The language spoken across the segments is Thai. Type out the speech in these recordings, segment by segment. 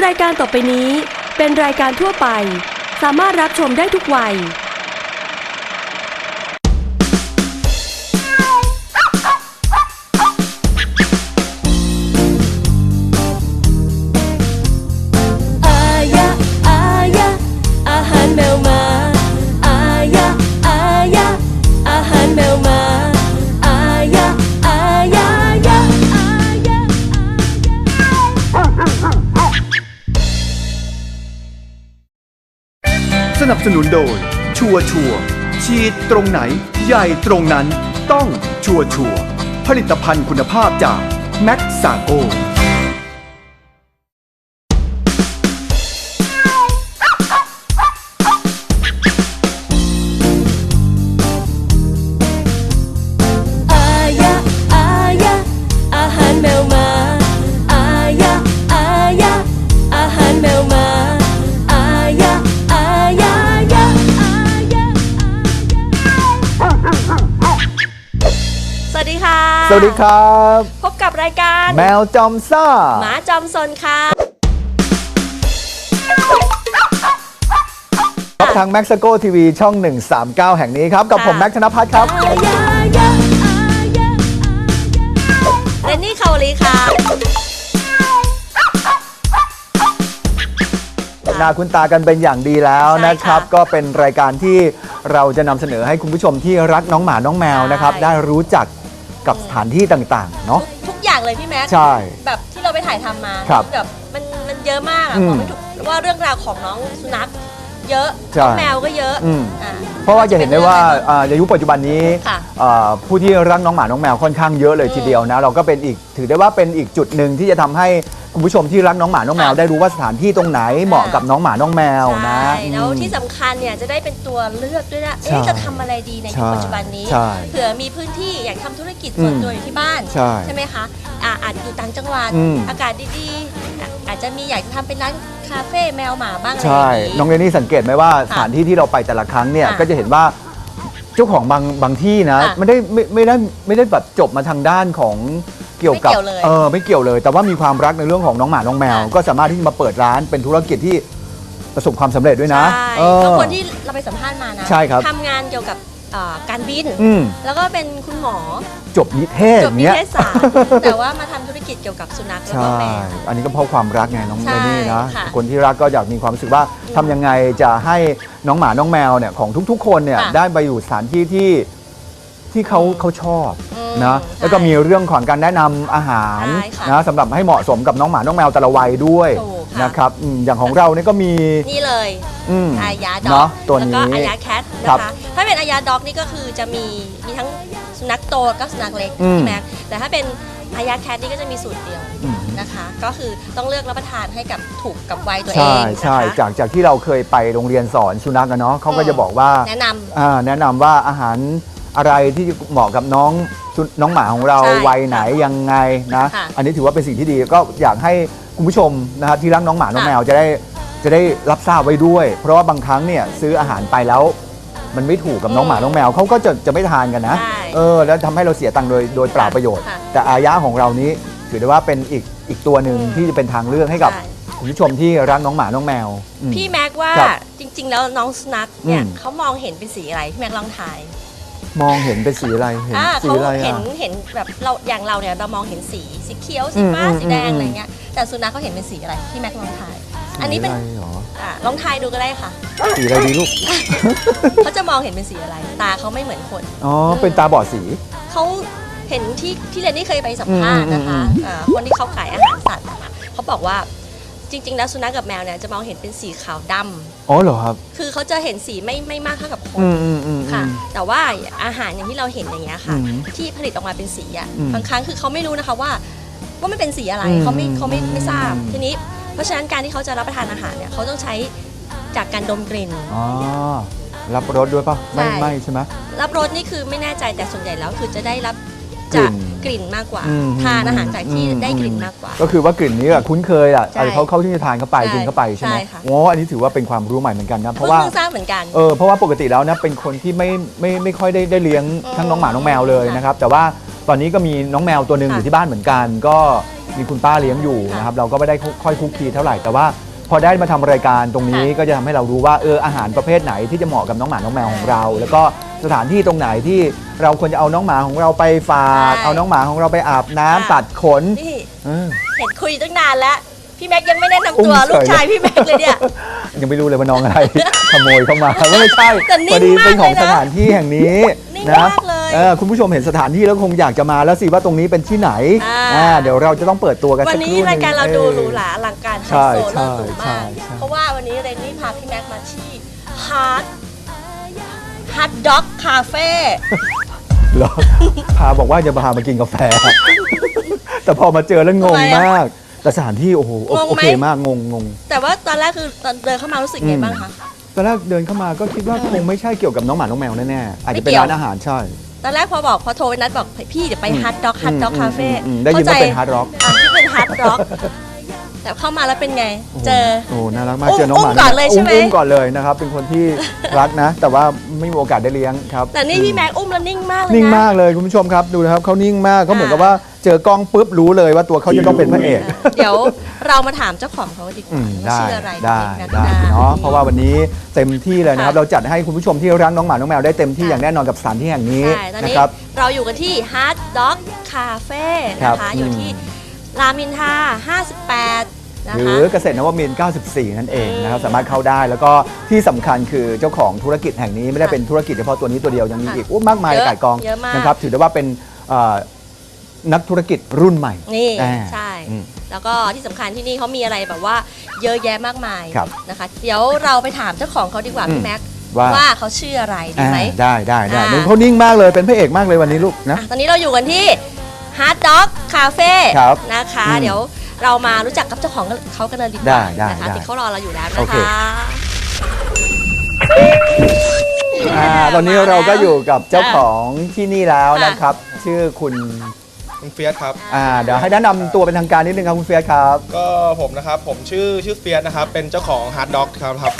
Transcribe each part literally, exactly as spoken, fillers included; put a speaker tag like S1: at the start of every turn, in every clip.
S1: รายการต่อไปนี้เป็นรายการทั่วไปสามารถรับชมได้ทุกวัยอายะอายะอาหารแมวมาอายะอายะอาหารแมวมาอายะอายะยะอายะ
S2: สนับสนุนโดยชัวชัวฉีดตรงไหนใหญ่ตรงนั้นต้องชัวชัวผลิตภัณฑ์คุณภาพจากแม็กซาโก
S1: อายะอายะอาหารแมวมาอายะอายะอาหารแมวมาอายะอายะยะอายะสวัสดีค่ะ
S3: สวัสดีครับ
S1: พบกับรายการ
S3: แมวจอมซ่า
S1: หมาจอมซนค่ะ
S3: ครับทาง แม็กซาโก ที วี ช่อง หนึ่งสามเก้า แห่งนี้ครับ กับผมแม็กธนพัฒน์ครับ
S1: อายะยะอายะเรนนี่คาวลีค่ะ
S3: หน้าคุ้นตากันเป็นอย่างดีแล้ว
S1: ใช่
S3: นะครับ
S1: ค่ะ
S3: ก็เป็นรายการที่เราจะนำเสนอให้คุณผู้ชมที่รักน้องหมาน้องแมวนะครับ
S1: ใช่
S3: ได้รู้จักกับสถานที่ต่างๆเนาะ
S1: ทุกทุกอย่างเลยพี่แม็ก
S3: ใช่
S1: แบบที่เราไปถ่ายทำมา
S3: ครับ
S1: แบบมันมันเยอะมากอะ
S3: อืม
S1: บอกไม่ถูกว่าเรื่องราวของน้องสุนัขเยอะ
S3: ใช่
S1: น้องแมวก็เยอะ
S3: อืม
S1: อ่า
S3: เพราะว่าจะเห็นได้ว่าอ่าในยุคปัจจุบันนี้
S1: ค่ะ
S3: อ่าผู้ที่รักน้องหมาน้องแมวค่อนข้างเยอะเลย
S1: อืม
S3: ทีเดียวนะเราก็เป็นอีกถือได้ว่าเป็นอีกจุดหนึ่งที่จะทำให้คุณผู้ชมที่รักน้องหมาน้องแมว
S1: ค่ะ
S3: ได้รู้ว่าสถานที่ตรงไหนเหมาะกับน้องหมาน้องแมวนะ
S1: ใช่แล้ว
S3: อืม
S1: ที่สำคัญเนี่ยจะได้เป็นตัวเลือกด้วยนะ
S3: ใช่
S1: เอ๊ะจะทำอะไรดีในยุคปัจจุบันนี้
S3: ใช่
S1: เผื่อมีพื้นที่อยากทำธุรกิจส่วน
S3: อืม
S1: ตัวอยู่ที่บ้าน
S3: ใช่
S1: ไหมคะอ่าอาจอยู่ต่างจังหวัด
S3: อืม
S1: อากาศดีๆอ่ะอาจจะมีอยากจะทำเป็นร้านคาเฟ่แมวหมาบ้างอะไรอ
S3: ใช่
S1: ย่างนี้
S3: น้องเรนนี่สังเกตไหมว่าสถานที่ที่เราไปแต่ละครั้งเนี่ย
S1: ค่ะ
S3: ก็จะเห็นว่าเจ้าของบางบางที่นะ
S1: ค่ะ
S3: ไม่ได้ไม่ไม่ได้ไม่ได้แบบจบมาทางด้านของเกี่ยวกับ
S1: ไม่เกี่ยวเลย
S3: เออไม่เกี่ยวเลย แต่ว่ามีความรักในเรื่องของน้องหมาน้องแมว
S1: ค่ะ
S3: ก็สามารถที่จะมาเปิดร้านเป็นธุรกิจที่ประสบความสำเร็จด้วยนะ
S1: ใช่
S3: เออ
S1: ก็คนที่เราไปสัมภาษณ์มานะ
S3: ใช่ครับ
S1: ทำงานเกี่ยวกับเอ่อการบิน
S3: อืม
S1: แล้วก็เป็นคุณหมอ
S3: จบนิเทศ
S1: จบนิ
S3: เนี้ย
S1: เทศศาสตร์ แต่ว่ามาทำธุรกิจเกี่ยวกับสุนัขแล้ว
S3: ใช่
S1: ก็แมว
S3: อันนี้ก็เพราะความรักไงน้อง
S1: ใช่
S3: เรนนี่นะ
S1: ค่ะ
S3: คนที่รักก็อยากมีความรู้สึกว่าทำยังไงจะให้น้องหมาน้องแมวเนี่ยของทุกๆ คนเนี่ย
S1: ค่ะ
S3: ได้ไปอยู่สถานที่ที่ที่เขาเขาชอบ
S1: อืม
S3: นะ
S1: ใช่
S3: แล้วก็มีเรื่องของการแนะนำอาหาร
S1: ใช่ค่ะ
S3: นะสำหรับให้เหมาะสมกับน้องหมาน้องแมวแต่ละวัยด้วย
S1: ถูกค่ะ
S3: นะครับอืมอย่างของเราเนี่ยก็มี
S1: นี่เลย
S3: อืม
S1: อายาด็
S3: เน
S1: อ
S3: อะ
S1: ก
S3: ตัว
S1: แล้ว
S3: นี้
S1: ก็อายาแคท
S3: ครั
S1: นะ
S3: บ
S1: คะถ้าเป็นอายาด็อกนี่ก็คือจะมีมีทั้งสุนัขโตก็สุนัขเล็ก
S3: อืม
S1: ใช่ไหมแต่ถ้าเป็นอายาแคทนี่ก็จะมีสูตรเดียว
S3: อืม
S1: นะคะ ก็คือต้องเลือกรับประทานให้กับถูกกับวัยตัวเอ
S3: ใช่
S1: ง
S3: ใช่
S1: นะคะ
S3: จากจากที่เราเคยไปโรงเรียนสอนสุนัขกันเนาะเขาก็
S1: อืม
S3: จะบอกว่า
S1: แนะนำ
S3: อ่าแนะนำว่าอาหารอะไรที่เหมาะกับน้องสุน้องหมาของเรา
S1: ใช่
S3: วัยไหนยังไงนะ
S1: ค่ะ
S3: อันนี้ถือว่าเป็นสิ่งที่ดีก็อยากให้คุณผู้ชมนะครับที่รักน้องหมาน้อง
S1: ค่ะ
S3: แมวจะได้จะได้รับทราบไว้ด้วย เพราะว่าบางครั้งเนี่ยซื้ออาหารไปแล้ว มันไม่ถูกกับน้องหมาน้องแมวเขาก็จะจะไม่ทานกันนะ
S1: ใช่
S3: เออแล้วทำให้เราเสียตังค์โดยโดยเปล่าประโยชน์
S1: ค่ะ
S3: แต่อายะของเรานี้ถือได้ว่าเป็นอีกอีกตัวหนึ่ง
S1: อืม
S3: ที่จะเป็นทางเลือกให้กับ
S1: ใช่
S3: คุณผู้ชมที่รักน้องหมาน้องแมวอืม
S1: พี่แม็กว่า
S3: ครับ
S1: จริง ๆ แล้วน้องสุนัขเนี่ย
S3: อืม
S1: เขามองเห็นเป็นสีอะไรพี่แม็กลองทาย
S3: มองเห็นเป็นสีอะไรเห็น
S1: อ่า
S3: สี
S1: เขา
S3: อะไร
S1: เห็น
S3: อ่ะ
S1: เห็นแบบเราอย่างเราเนี่ยเรามองเห็นสีสีเขียวสีฟ้า
S3: อืม
S1: สีแดง
S3: อืม
S1: อะไรเงี้ยแต่สุนัขเขาเห็นเป็นสีอะไรพี่แม็กลองทาย อันนี้เป็น
S3: สีอะไรหรอ
S1: อ่าลองทายดูก็ได้ค่ะ
S3: สีอะไรดีลูก
S1: เขาจะมองเห็นเป็นสีอะไร ตาเขาไม่เหมือนคน
S3: อ๋อ เป็นตาบอดสี
S1: เขาเห็นที่ที่เรนนี่เคยไปสัมภาษณ์นะคะ
S3: อืมอืมอืม
S1: อ่าคนที่เขาขายอาหารสัตว์นะคะเขาบอกว่าจริง ๆ แล้วสุนัขกับแมวเนี่ยจะมองเห็นเป็นสีขาวดำ
S3: อ๋อเหรอครับ
S1: คือเขาจะเห็นสีไม่ไม่มากเท่ากับคน
S3: อืมอืมอืม
S1: ค่ะ
S3: อืม
S1: แต่ว่าอาหารอย่างที่เราเห็นอย่างเงี้ยค่ะ
S3: อืม
S1: ที่ผลิตออกมาเป็นสีอ่ะ
S3: อืม
S1: บางครั้งคือเขาไม่รู้นะคะว่าว่ามันเป็นสีอะไร
S3: อืม
S1: เขาไม่เขาไม่ไม่ทราบ
S3: อืม
S1: ทีนี้เพราะฉะนั้นการที่เขาจะรับประทานอาหารเนี่ยเขาต้องใช้จากการดมกลิ่น
S3: อ๋อ รับรสด้วยป่ะ ไม่
S1: ใช่
S3: ไม่ใช่ไหม
S1: รับรสนี่คือไม่แน่ใจแต่ส่วนใหญ่แล้วคือจะได้รับ
S3: กลิ่
S1: จาก
S3: น
S1: กลิ่นมากกว่า
S3: อืม
S1: ทานอาหารจากที่
S3: อืม
S1: ได้กลิ่น
S3: อืม
S1: มากกว่า
S3: ก็คือว่ากลิ่นนี้อะคุ้นเคยอ่ะ
S1: ใช่
S3: อะไรเขาเขาที่จะทานเข้าไป
S1: ใช่
S3: กินเข้าไปใช่ไหม
S1: ใช่ค่ะ
S3: โอ้อันนี้ถือว่าเป็นความรู้ใหม่เหมือนกันนะเพ
S1: เพิ่
S3: ราะ
S1: ง
S3: ว่า
S1: เพิ่งทราบเหมือนกัน
S3: เออเพราะว่าปกติแล้วนะเป็นคนที่ไม่ไม่ไม่ค่อยได้ได้เลี้ยงทั้งน้องหมาน้องแมวเลย
S1: ค่ะ
S3: นะครับ แต่ว่าตอนนี้ก็มีน้องแมวตัวหนึ่ง
S1: ค่ะ
S3: อยู่ที่บ้านเหมือนกัน ก็มีคุณป้าเลี้ยงอยู่
S1: ค่ะ
S3: นะครับเราก็ไม่ได้ค่อยคุกคีเท่าไหร่แต่ว่าพอได้มาทำรายการตรงนี้
S1: ค่ะ
S3: ก็จะทำให้เรารู้ว่าเอออาหารประเภทไหนที่จะเหมาะกับน้องหมาน้องแมวของเรา แล้วก็สถานที่ตรงไหนที่เราควรจะเอาน้องหมาของเราไปฝาก
S1: ใช่
S3: เอาน้องหมาของเราไปอาบน้ำ
S1: ค่ะ
S3: ตัดขน
S1: นี่
S3: เออ
S1: เห็นคุยตั้งนานแล้ว พี่แม็กยังไม่แนะนำ
S3: อุ้
S1: ตัว
S3: มเฉย
S1: ลูกชายพี่แม็กเลยเนี่ย
S3: ยังไม่รู้เลยว่าน้องอะไร ขโมยเข้ามาไม่ใช่
S1: แต่นิ่
S3: พ
S1: ง
S3: อดีเป็นของ
S1: มากเลยนะ
S3: สถานที่แห่งนี้
S1: นิ่ง
S3: นะ
S1: มากเลย
S3: เออคุณผู้ชมเห็นสถานที่แล้วคงอยากจะมาแล้วสิว่าตรงนี้เป็นที่ไหน
S1: อ่า
S3: อ่าเดี๋ยวเราจะต้องเปิดตัวกัน
S1: วั
S3: สั
S1: น
S3: กค
S1: นี้
S3: รู่ห
S1: รายการเราดู
S3: ออ
S1: หรูหราอลังการไฮ
S3: ใช่
S1: โซ
S3: ใช่
S1: เลิศหรู
S3: ใช่
S1: มาก
S3: ใช่
S1: เพราะว่าวันนี้เรนนี่พาพี่แม็กมาที่ฮาร์ดฮาร์ดด็อกคาเฟ่
S3: เหรอ พาบอกว่าจะพามากินกาแฟ แต่พอมาเจอแล้วงง
S1: ทำไมอะ
S3: มาก แต่สถานที่โอ้โหโอง
S1: ง
S3: โอ
S1: ไหม
S3: เคมากงงงง
S1: แต่ว่าตอนแรกคือตอนเดินเข้ามารู้สึกไงบ้างคะ
S3: ตอนแรกเดินเข้ามาก็คิดว่าคงไม่ใช่เกี่ยวกับน้องหมาน้องแมวแน่ๆอาจจะเป็น
S1: ไม่เกี่ยว
S3: ร้านอาหารใช่
S1: ตอนแรกพอบอกพอโทรไปนัดบอกพี่เดี๋ยวไปฮาร์ดด็อกฮาร์ดด็อกคาเฟ่
S3: อืมได้ยินว่าเป็น hard rock
S1: อ่ะที่เป็นฮาร์ดด็อกแต่เข้ามาแล้วเป็นไง เจอ
S3: โอ้ น่ารักมาก
S1: อุ้ม
S3: เจอน้องหมา
S1: อุ้มก่อนเลยใช่ไหม
S3: อุ้มก่อนเลยนะครับ เป็นคนที่ รักนะ แต่ว่าไม่มีโอกาสได้เลี้ยงครับ
S1: แต่นี่พี่แม็กอุ้มแล้วนิ่งมากเลยนะ
S3: นิ่งมากเลยคุณผู้ชมครับ ดูนะครับเขานิ่งมากเขาเหมือนกับว่าเจอกล้องปุ๊บรู้เลยว่าตัวเขาจะต้องเป็นพระเอก
S1: เดี๋ยวเรามาถามเจ้าของเขาดีก
S3: อื
S1: ว่าม ว่า
S3: ได้
S1: ชื่ออะไร
S3: ได้
S1: กัน
S3: ได้
S1: นะ
S3: เนาะเพราะว่าวันนี้เต็มที่เลยนะครับ
S1: ค่ะ
S3: เราจัดให้คุณผู้ชมที่รักน้องหมาน้องแมวได้เต็มที่
S1: ค่ะ
S3: อย่างแน่นอนกับสถานที่แห่งนี้
S1: ใช่ตอน
S3: นะ
S1: นี้
S3: ครับ
S1: เราอยู่กันที่ Hard Dog Cafe
S3: ครั
S1: นะ
S3: บ
S1: คะ อยู่ที่รามอินทราห้าสิบแปดนะ
S3: หรื
S1: คะ
S3: อเกษตรนวมินทร์เก้าสิบสี่ นั่นเองนะครับ
S1: อืม
S3: สามารถเข้าได้แล้วก็ที่สำคัญคือเจ้าของธุรกิจแห่งนี้ไม่ได้เป็นธุรกิจเฉพาะตัวนี้ตัวเดียวยังมี
S1: ค่ะ
S3: อีกโอ้มากมาย
S1: เยอะ
S3: กายกอง
S1: เยอะมาก
S3: นะครับถือได้ว่าเป็นเอ่อนักธุรกิจรุ่นใหม่
S1: นี่
S3: อ่า
S1: ใช่
S3: อืม
S1: แล้วก็ที่สำคัญที่นี่เขามีอะไรแบบว่าเยอะแยะมากมาย
S3: ครับ
S1: นะคะ เดี๋ยวเราไปถามเจ้าของเขาดีกว่า
S3: อืม
S1: พี่แม็ก
S3: ว่า
S1: ว่าเขาชื่ออะไรดี
S3: อ่า
S1: ไหม
S3: ได้ได้ได้
S1: อ่า
S3: หนูเขานิ่งมากเลยเป็นพระเอกมากเลยวันนี้ลูกนะ
S1: อ่ะตอนนี้เราอยู่กันที่ Hard Dog Cafe
S3: ครับ
S1: นะคะ
S3: อืม
S1: เดี๋ยวเรามารู้จักกับเจ้าของเขากันเลยดีก
S3: ได้
S1: ว่า
S3: ได้
S1: นะคะ
S3: ได้
S1: ที่เขารอเราอยู่แล้ว
S3: โอ
S1: นะ
S3: เค
S1: คะ
S3: อ่าตอนนี้เราก็อยู่กับเจ้าของที่นี่แล้วนะครับ ชื่อคุณ
S4: คุณเฟียสครับ
S3: อ่าเดี๋ยวให้แนะนำตัวเป็นทางการนิดนึงครับคุณเฟียสครับ
S4: ก็ผมนะครับ ผมชื่อชื่อเฟียสนะครับ เป็นเจ้าของฮาร์ดด็อกครับครับ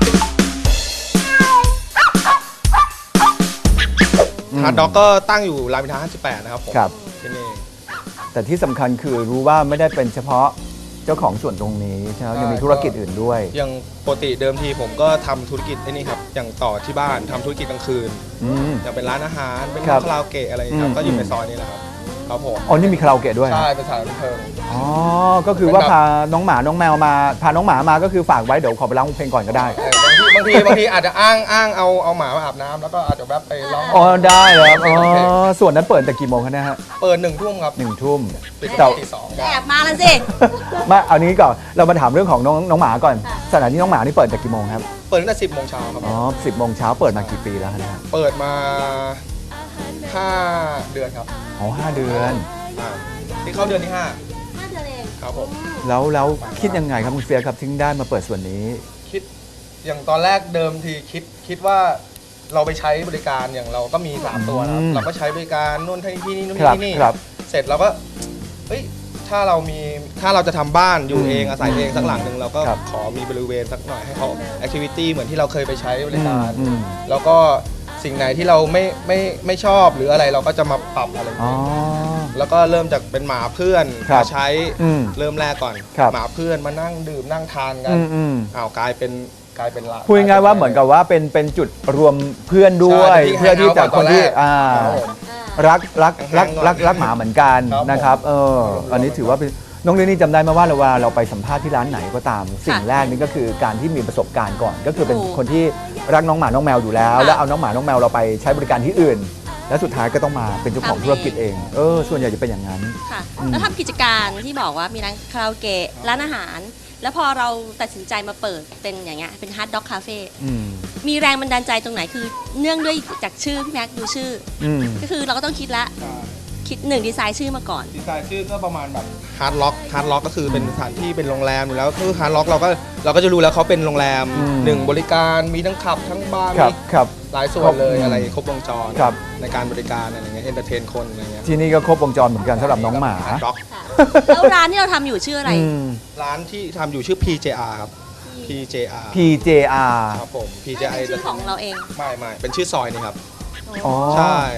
S3: อืม
S4: ฮาร์ดด็อกก็ตั้งอยู่รามอินทราห้าสิบแปดนะครับผม
S3: ครับ
S4: ที่นี่
S3: แต่ที่สำคัญคือรู้ว่าไม่ได้เป็นเฉพาะเจ้าของส่วนตรงนี้ใช่ไหมยังมีธุรกิจอื่นด้วย
S4: อย่างปกติเดิมทีผมก็ทำธุรกิจไอ้นี่ครับ อย่างต่อที่บ้านทำธุรกิจกลางคืน
S3: อืม
S4: อย่างเป็นร้านอาหาร เป็น
S3: ครับ
S4: คาราโอเกะอะไรอย่างเงี้ยครับ
S3: อืม
S4: ก็อยู่ในซอยนี้แหละครับ ครับผม
S3: อ๋อนี่มีคาราโอเกะด้วย
S4: ใช่ เป็นสถานบันเทิง
S3: อ๋อก็คือว่า
S4: เป็นแบบ
S3: พาน้องหมาน้องแมวมาพาน้องหมามาก็คือฝากไว้เดี๋ยวขอไปร้องเพลงก่อนก็ได้
S4: เออบางทีบางทีบางทีอาจจะอ้างอ้างเอาเอาหมามาอาบน้ำแล้วก็อาจจะแวบไปร้อง
S3: อ๋อได้เลยครับอ๋อส่วนนั้นเปิดแต่กี่โมงคะเนะฮะ
S4: เปิดหนึ่งทุ่มครับ
S3: หนึ่งทุ่ม
S4: ปิด
S3: แต่
S4: ตีสอง
S1: แอบมาแล้วสิ
S3: มาเอานี้ก่อนเรามาถามเรื่องของน้องน้องหมาก่อนสถานที่น้องหมานี่เปิดจากกี่โมงครับ
S4: เปิดตั้งแต่สิบโมงเช้าครับ
S3: อ๋อสิบโมงเช้าเปิดมากี่ปีแล้วนะฮะ
S4: เปิดมาห้าเดือนครับ
S3: อ๋อห้าเดือน
S4: อ่าที่เข้าเดือนที่ห้า
S1: ห้าเดือนเอง
S4: ครับผม
S3: แล้วแล้วคิดยังไงครับคุณเฟียสครับถึงได้มาเปิดส่วนนี้
S4: คิดอย่างตอนแรกเดิมทีคิดคิดว่าเราไปใช้บริการอย่างเราก็มีสามตัวนะครับ
S3: อืม
S4: เราก็ใช้บริการนู่นที่ที่นี่นู่น
S3: ครับ
S4: ที่นี่
S3: ครับ
S4: เสร็จเราก็เฮ้ยถ้าเรามีถ้าเราจะทำบ้านอยู่
S3: อืม
S4: เองอาศัยเองสักหลังหนึ่งเราก็
S3: ครับ
S4: ขอมีบริเวณสักหน่อยให้เขาแอคทิวิตี้เหมือนที่เราเคยไปใช้บริการ
S3: อืม
S4: แล้วก็สิ่งไหนที่เราไม่ไม่ไม่ชอบหรืออะไรเราก็จะมาปรับอะไรอย่าง
S3: อ๋อ
S4: เงี้ยแล้วก็เริ่มจากเป็นหมาเพื่อน
S3: ครับ
S4: มาใช้
S3: อืม
S4: เริ่มแรกก่อน
S3: ครับ
S4: หมาเพื่อนมานั่งดื่มนั่งทานกั
S3: อื
S4: น
S3: มอืม
S4: อ้าวกลายเป็นกลายเป็นละ
S3: พูดง่ายๆว่าเหมือนกับว่าเป็นเป็นจุดรวมเพื่อนด้วย
S4: ใช่
S3: เพื่อที่จะคนที่
S4: ตอนแรก
S3: อ่า
S4: ครับผม
S3: รักรักรัก
S4: ห่างๆ
S3: รักรักหมาเหมือนกัน
S4: ครับผม
S3: นะครับเอออันนี้ถือว่าเป็นน้องเรนนี่จำได้ไหมว่าเราว่าเราไปสัมภาษณ์ที่ร้านไหนก็ตาม สิ่งแรกนี่ก็คือการที่มีประสบการณ์ก่อน ก็คือเป็น
S1: ถูก
S3: คนที่รักน้องหมาน้องแมวอยู่แล้ว
S1: ค่ะ
S3: แล้วเอาน้องหมาน้องแมวเราไปใช้บริการที่อื่น แล้วสุดท้ายก็ต้องมาเป็นเจ้าของ
S1: ทำเอง
S3: ธุรกิจเองเออส่วนใหญ่จะเป็นอย่างนั้น
S1: ค่ะ
S3: อืม
S1: แล้วทำกิจการที่บอกว่ามีร้านคาราโอเกะร้านอาหาร แล้วพอเราตัดสินใจมาเปิดเป็นอย่างเงี้ยเป็นฮาร์ดด็อกคาเฟ่
S3: อืม
S1: มีแรงบันดาลใจตรงไหนคือเนื่องด้วยจากชื่อพี่แม็กซ์ดูชื่อ
S3: อืม
S1: ก็คือเราก็ต้องคิดละคิดหนึ่งดีไซน์ชื่อมาก่อน
S4: ดีไซน์ชื่อก็ประมาณแบบฮาร์ดล็อกฮาร์ดล็อกก็คือเป็นสถานที่เป็นโรงแรมอยู่แล้วคือฮาร์ดล็อกเราก็เราก็จะรู้แล้วเขาเป็นโรงแรม
S3: อืม
S4: หนึ่งบริการมีทั้งขับทั้งบาร์
S3: ครับ
S4: มี
S3: ครับ
S4: หลายส่วนเลย
S3: ครบ
S4: อะไรครบวงจร
S3: ครับ
S4: ในการบริการอะไรเงี้ยเอนเตอร์เทนคนอะไรเงี้ย
S3: ที่นี่ก็ครบวงจรเหมือนกันสำหรับน้องหมา
S4: ฮาร์ดล็อก
S1: แล้วร้านที่เราทำอยู่ชื่ออะไร
S3: อืม
S4: ร้านที่ทำอยู่ชื่อ พี เจ อาร์ ครับ พี เจ อาร์
S3: พี เจ อาร์
S4: ครับผม พี เจ อาร์
S1: ชื่อของเราเอง
S4: ไม่ไม่เป็นชื่อซอยนี่ครับ
S3: อ๋อ
S4: ใช่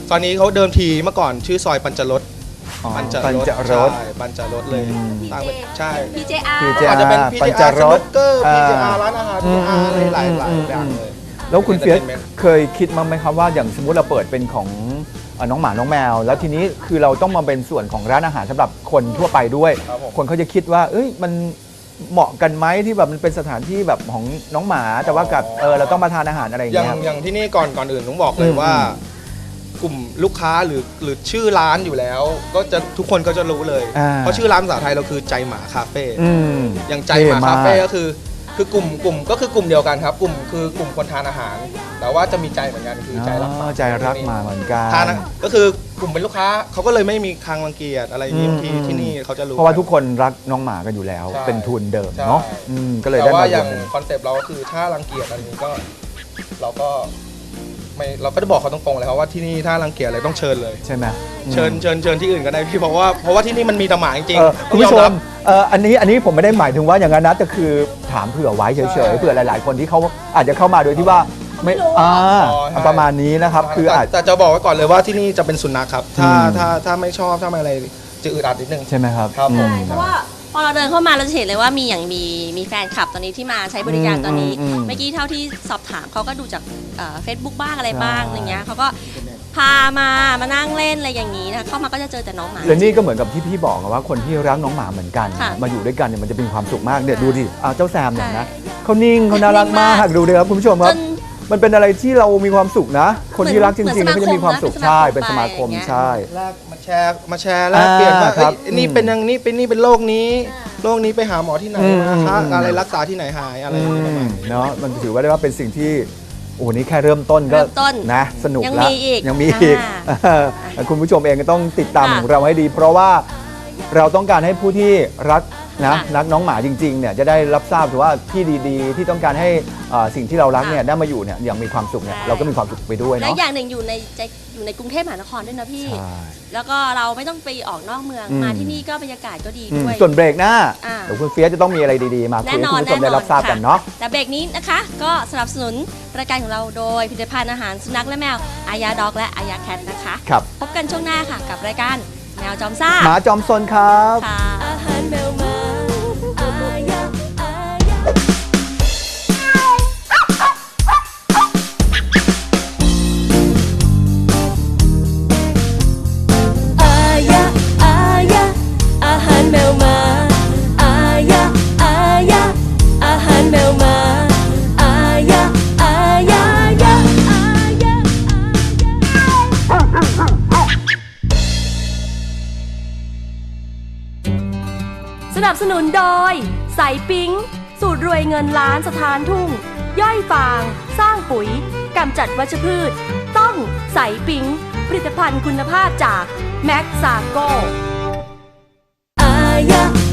S4: ตอนนี้เขาเดิมทีเมื่อก่อนชื่อซอยปัญจรส
S3: อ๋อ
S4: ปัญจ
S3: ปัญจรส
S4: ใช่ปัญจรสเลย
S3: อืม
S4: ตั้งเป็นใช่
S1: พี เจ อาร์
S3: พี เจ
S4: อาจจะเป็น พี
S3: ปั
S4: เจ
S3: ญจ
S4: อาร์
S3: ร
S4: ส
S3: ส
S4: นุกเกอร์
S3: อ่า
S4: พี เจ อาร์ ร้านอาหาร
S3: อื
S4: พี
S3: ม
S4: เจ อาร์
S3: อืม
S4: หลายหลาย
S3: อืม
S4: อย่างเลย
S3: แล้วคุณเฟียส
S4: Entertainment
S3: เคยคิดมั้างไหมครับว่าอย่างสมมุติเราเปิดเป็นของเอ่อน้องหมาน้องแมว แล้วทีนี้คือเราต้องมาเป็นส่วนของร้านอาหารสำหรับคนทั่วไปด้วย
S4: ครับผม
S3: คนเขาจะคิดว่า เอ้ยมันเหมาะกันไหมที่แบบมันเป็นสถานที่แบบของน้องหมา แต่ว่ากับเออเราต้องมาทานอาหารอะไรอย่าง
S4: อย่าง
S3: เงี้ยครับ
S4: อย่างที่นี่ก่อนก่อนอื่นต้องบอกเลย
S3: อืม
S4: ว่า กลุ่มลูกค้าหรือหรือชื่อร้านอยู่แล้ว ก็จะทุกคนก็จะรู้เลย
S3: อ่า
S4: เพราะชื่อร้านภาษาไทยเราคือใจหมาคาเฟ่
S3: อืม
S4: อย่างใจหมาคาเฟ่ก็คือคือกลุ่มกลุ่มก็คือกลุ่มเดียวกันครับ กลุ่มคือกลุ่มคนทานอาหาร แต่ว่าจะมีใจเหมือนกันคือใจรักห
S3: อ๋
S4: มา
S3: อใจรักหมาเหมือนกัน
S4: ทานอะก็คือกลุ่มเป็นลูกค้าเขาก็เลยไม่มีคางรังเกียจอะไรอย่างนี้
S3: อืม
S4: บางทีที่นี่เขาจะรู้
S3: เพราะว่าทุกคนรักน้องหมากันอยู่แล้ว
S4: ใช่
S3: เป็นทุนเดิม
S4: ใช่
S3: เนาะอืมก็เลย
S4: แต่
S3: ได้
S4: ว่า
S3: มา
S4: อย่าง
S3: รวมกัน
S4: คอนเซปต์เราก็คือถ้ารังเกียจอะไรนี้ก็ เราก็ไม่เราก็จะบอกเขาตรงๆเลยครับว่าที่นี่ถ้ารังเกียจอะไรต้องเชิญเลย
S3: ใช่ไหมอืม
S4: เชิญเชิญเชิญที่อื่นก็ได้พี่เพราะว่าเพราะว่าที่นี่มันมีแต่หมาจริง
S3: เออ
S4: ๆ
S3: คุณผู้ช
S4: ต้องยอ
S3: ม
S4: รับ
S3: เอออันนี้อันนี้ผมไม่ได้หมายถึงว่าอย่างนั้นนะแต่คือถามเผื่อไว้เฉ
S4: ใช่
S3: ยๆเผื่อหลาย ๆ คนที่เขาอาจจะเข้ามาโดยที่ว่าไม่อ่า
S4: อ๋อใช่
S3: ประมาณนี้นะครับ คือ
S4: แต่
S3: อาจ
S4: แต่จะบอกไว้ก่อนเลยว่าที่นี่จะเป็นสุนัขครับ ถ้า
S3: อืม
S4: ถ้าถ้าไม่ชอบถ้าไม่อะไรจะอึดอัดนิดนึง
S3: ใช่ไหมครับ
S4: ครับ
S3: อื
S4: ผม
S3: ม
S1: เพราะว่าพอเราเดินเข้ามาเราจะเห็นเลยว่ามีอย่างมีมีแฟนคลับตอนนี้ที่มาใช้บริการตอนนี้
S3: อืมอืม
S1: เมื่อกี้เท่าที่สอบถามเขาก็ดูจากเฟซบุ๊กบ้างอะไรบ้าง
S3: ใช่
S1: อย่างเงี้ยเขาก็พามามานั่งเล่นอะไรอย่างนี้นะเข้ามาก็จะเจอแต่น้องหมา
S3: และนี่ก็เหมือนกับที่พี่บอกอะว่าคนที่รักน้องหมาเหมือนกัน
S1: ค่ะ
S3: มาอยู่ด้วยกันเนี่ยมันจะเป็นความสุขมากเนี่ยดูดิอ่าเจ้าแซมเนี่ยนะ
S1: ใช่
S3: เขานิ่งเขาน่ารักมาก
S1: นิ่งมาก
S3: ดูดิครับคุณผู้ชมค
S1: จ
S3: รับ
S1: น
S3: มันเป็นอะไรที่เรามีความสุขนะ คนที่รักจ
S1: เหมื
S3: ริ
S1: อน
S3: งๆเขาจะมีความสุข
S1: สมาคมนะ
S3: ใช่
S1: เป็
S3: เป็น
S1: น
S3: ส
S1: ส
S3: มา
S1: มา
S3: ค
S1: ค
S3: ม
S1: มไป
S3: ใช่
S4: แลกมาแชร์มาแชร์แลกเปลี่ยนว่า
S3: อ่าครับ
S4: เอ้ยนี่เป็นอย่างนี้เป็นนี่เป็นโรคนี้โรคนี้ไปหาหมอที่ไหน
S3: อืม
S4: มาคะ
S3: อืม
S4: อะไรรักษาที่ไหนหายอะไรอ
S3: อื
S4: ย่างเงี้ยประมาณ
S3: ม
S4: นี้
S3: เนาะมันถือว่าได้ว่าเป็นสิ่งที่โอ้นี่แค่เริ่มต้นก็
S1: เริ่มต้น
S3: นะสนุก
S1: ยัง
S3: แล้ว
S1: มีอีก
S3: ยังมีอีก
S1: อ่า
S3: เออคุณผู้ชมเองก็ต้องติดตาม
S1: ค่ะ
S3: ของเราให้ดี เพราะว่าเราต้องการให้ผู้ที่รักนะ
S1: ค่ะ
S3: รักน้องหมาจริงๆเนี่ยจะได้รับทราบถือว่าที่ดีๆ ที่ต้องการให้เอ่อสิ่งที่เรารักเนี่ยได้มาอยู่เนี่ยอย่างมีความสุขเนี่ย
S1: ใช่
S3: เราก็มีความสุขไปด้วย
S1: และ
S3: เนาะ
S1: อย่างหนึ่งอยู่ในใจอยู่ในกรุงเทพมหานครด้วยนะพี่
S3: ใช่
S1: แล้วก็เราไม่ต้องไปออกนอกเมือง
S3: อืม
S1: มาที่นี่ก็บรรยากาศก็ดี
S3: อืม
S1: ด้วย
S3: ส่วนเบรกหน้า
S1: อ่า
S3: เดี๋ยวคุณเฟียสจะต้องมีอะไรดีๆ มาคุย
S1: แน่
S3: ให้
S1: นอ
S3: คุ
S1: น
S3: ณผู้ชมได้รับทราบกันเนาะ
S1: แต่เบรกนี้นะคะ ก็สนับสนุนรายการของเราโดยผลิตภัณฑ์อาหารสุนัขและแมวอายาด็อกและอายาแคทนะคะ
S3: ครับ
S1: พบกันช่วงหน้าค่ะกับรายการแมวจอมซ่า
S3: หมาจอมซนครับ
S1: ค่ะ
S5: อาหารแมวมาอายะอายะ อายะอายะอาหารแมวมาอายะอายะอาหารแมวมาอายะอายะอายะอายะ
S6: สนับสนุนโดยใสปิ๊งสูตรรวยเงินล้านสถานทุ่ง ย่อยฟาง สร้างปุ๋ยกำจัดวัชพืช ต้องใสปิ๊งผลิตภัณฑ์คุณภาพจากแม็กซาโก
S5: อายะ